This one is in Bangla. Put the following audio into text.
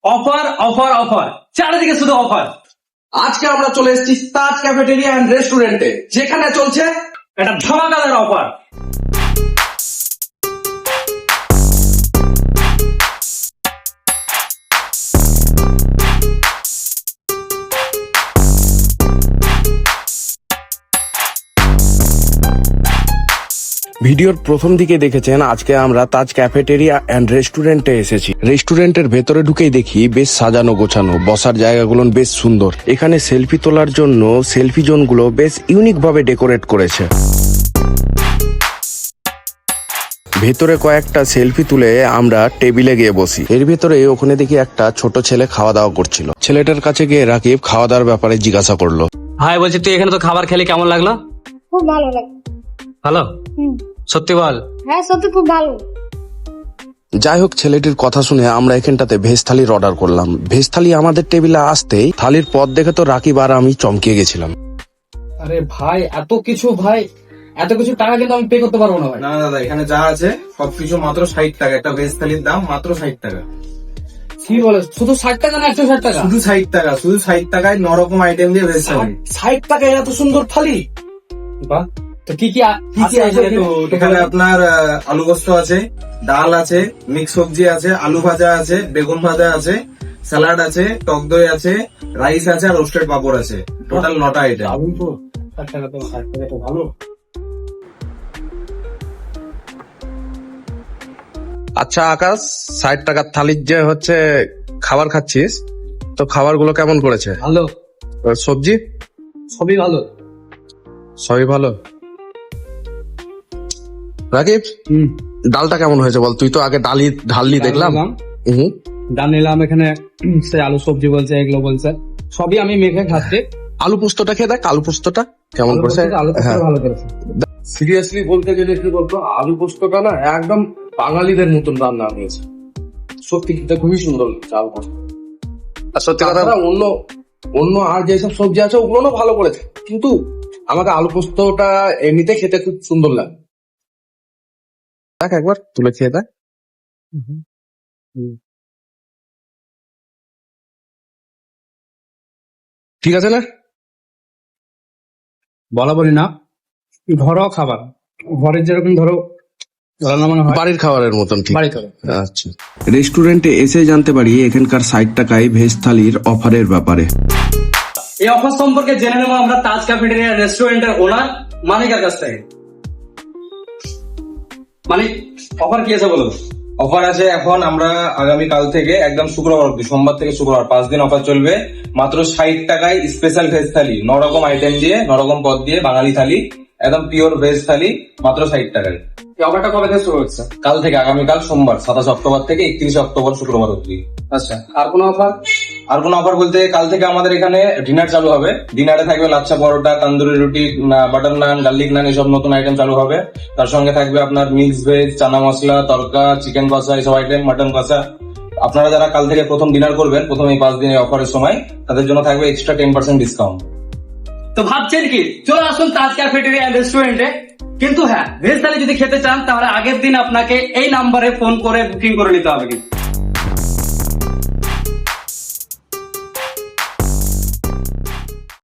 অফার অফার অফার, চারিদিকে শুধু অফার। আজকে আমরা চলে এসেছি তাজ ক্যাফেটেরিয়া এন্ড রেস্টুরেন্টে, যেখানে চলছে এটা ধামাকাদার অফার। ভিডিওর প্রথম দিকে দেখেছেন আজকে আমরা তাজ ক্যাফেটেরিয়া অ্যান্ড রেস্টুরেন্টে এসেছি। রেস্টুরেন্টের ভেতরে ঢুকেই দেখি বেশ সাজানো গোছানো, বসার জায়গাগুলো বেশ সুন্দর। এখানে সেলফি তোলার জন্য সেলফি জোনগুলো বেশ ইউনিক ভাবে ডেকোরেট করেছে। ভেতরে কয়েকটা সেলফি তুলে আমরা টেবিলে গিয়ে বসি। এর ভেতরে ওখানে দেখি একটা ছোট ছেলে খাওয়া দাওয়া করছিল। ছেলেটার কাছে গিয়ে রাকিব খাওয়া দাওয়ার ব্যাপারে জিজ্ঞাসা করলো। ভাই বলছি, তুই এখানে তো খাবার খেলে কেমন লাগলো? খুব ভালো লাগে। ভালো? সত্যি বল। হ্যাঁ সত্যি খুব ভালো। যাই হোক, ছেলেটির কথা শুনে আমরা এখানটাতে ভেজ থালির অর্ডার করলাম। ভেজ থালি আমাদের টেবিলে আসতেই থালির পদ দেখে তো রাকিব আর আমি চমকে গেছিলাম। আরে ভাই, এত কিছু টাকা কিন্তু আমি পে করতে পারবো না ভাই। না দাদা, এখানে যা আছে সবকিছু মাত্র 60 টাকা। একটা ভেজ থালির দাম মাত্র 60 টাকা। কি বলে, শুধু 60 টাকা না 160 টাকা? শুধু 60 টাকা, শুধু 60 টাকায় 9 রকম আইটেম দিয়ে ভেজ থালি। 60 টাকায় এত সুন্দর থালি? বাহ। তো কি কি আছে এখানে? আপনার আলু পোস্ত আছে, ডাল আছে, মিক্স সবজি আছে, আলু ভাজা আছে, বেগুন ভাজা আছে, স্যালাড আছে, টক দই আছে, রাইস আছে আর রোস্টেড পাপড় আছে। টোটাল 9টা আইটেম। দারুণ তো। 60 টাকা তো 60 টাকা তো ভালো। আচ্ছা আকাশ, 60 টাকার থালির যে হচ্ছে খাবার খাচ্ছিস, তো খাবারগুলো কেমন করেছে? ভালো, সবজি সবই ভালো। সবই ভালো। রাকিব, ডালটা কেমন হয়েছে বল? তুই তো আগে ঢাললি দেখলাম। হুম। ডাল নিলাম, এখানে সে আলু সবজি বলছে, এগুলো বলছে, সবই আমি মেখে খাচ্ছি। আলু পোস্তটা খেয়ে দেখ, আলু পোস্তটা কেমন করেছে। আলু পোস্ত হ্যাঁ। ভালো করেছে। সিরিয়াসলি বলতে গেলে কি বলতো, আলু পোস্তটা না একদম বাঙালিদের মতন রান্না হয়েছে। সত্যি এটা খুবই সুন্দর চাল পোস্ত। আর সত্যি কথা, তাছাড়া অন্য আর যেসব সবজি আছে ওগুলো ভালো করেছে, কিন্তু আমাকে আলু পোস্তটা এমনিতে খেতে খুব সুন্দর লাগে। দেখ একবার তুলে খেয়ে দেখ। ঠিক আছে না? বলা বলি না, ঘরোয়া খাবার, ঘরের যেরকম ধরো রান্না বান্না হয়, বাড়ির খাবারের মতন। ঠিক। বাড়ি খাবার। আচ্ছা, রেস্টুরেন্টে এসে জানতে পারি এখানকার 60 টাকায় ভেজ থালির অফারের ব্যাপারে। এই অফার সম্পর্কে জেনে নেবো আমরা তাজ ক্যাফেটেরিয়া রেস্টুরেন্টের ওনার মানিকার কাছ থেকে। মানিক, অফার কি আছে বলো? অফার আছে এখন আমরা আগামী কাল থেকে একদম শুক্রবার অব্দি, সোমবার থেকে শুক্রবার 5 দিন অফার চলবে। মাত্র 60 টাকায় স্পেশাল ভেজ থালি, 9 রকম আইটেম দিয়ে, 9 রকম পদ দিয়ে বাঙালি থালি, একদম পিওর ভেজ থালি, মাত্র 60 টাকায়। এই অফারটা কবে থেকে শুরু হচ্ছে? কাল থেকে, আগামীকাল সোমবার 27 অক্টোবর থেকে 31 অক্টোবর শুক্রবার অব্দি। আচ্ছা, আর কোনো অফার? আর কোনো অফার বলতে, কাল থেকে আমাদের এখানে ডিনার চালু হবে। ডিনারে থাকবে লাচ্ছা পরোটা, তান্দুরি রুটি, বাটার নান, গার্লিক নান, এসব নতুন আইটেম চালু হবে। তার সঙ্গে থাকবে আপনার mix veg, chana masala, tarka, chicken kosha, এসব আইটেম, মাটন কষা। আপনারা যারা কাল থেকে প্রথম ডিনার করবেন, প্রথম এই 5 দিনের অফারের সময়, তাদের জন্য থাকবে এক্সট্রা 10% ডিসকাউন্ট। তো ভাবছেন কি, চলে আসুন তাজ ক্যাফেটেরিয়া এন্ড রেস্টুরেন্টে। কিন্তু হ্যাঁ, ভেজ থালি যদি খেতে চান তাহলে আগের দিন আপনাকে এই নাম্বারে ফোন করে বুকিং করে নিতে হবে। কিন্তু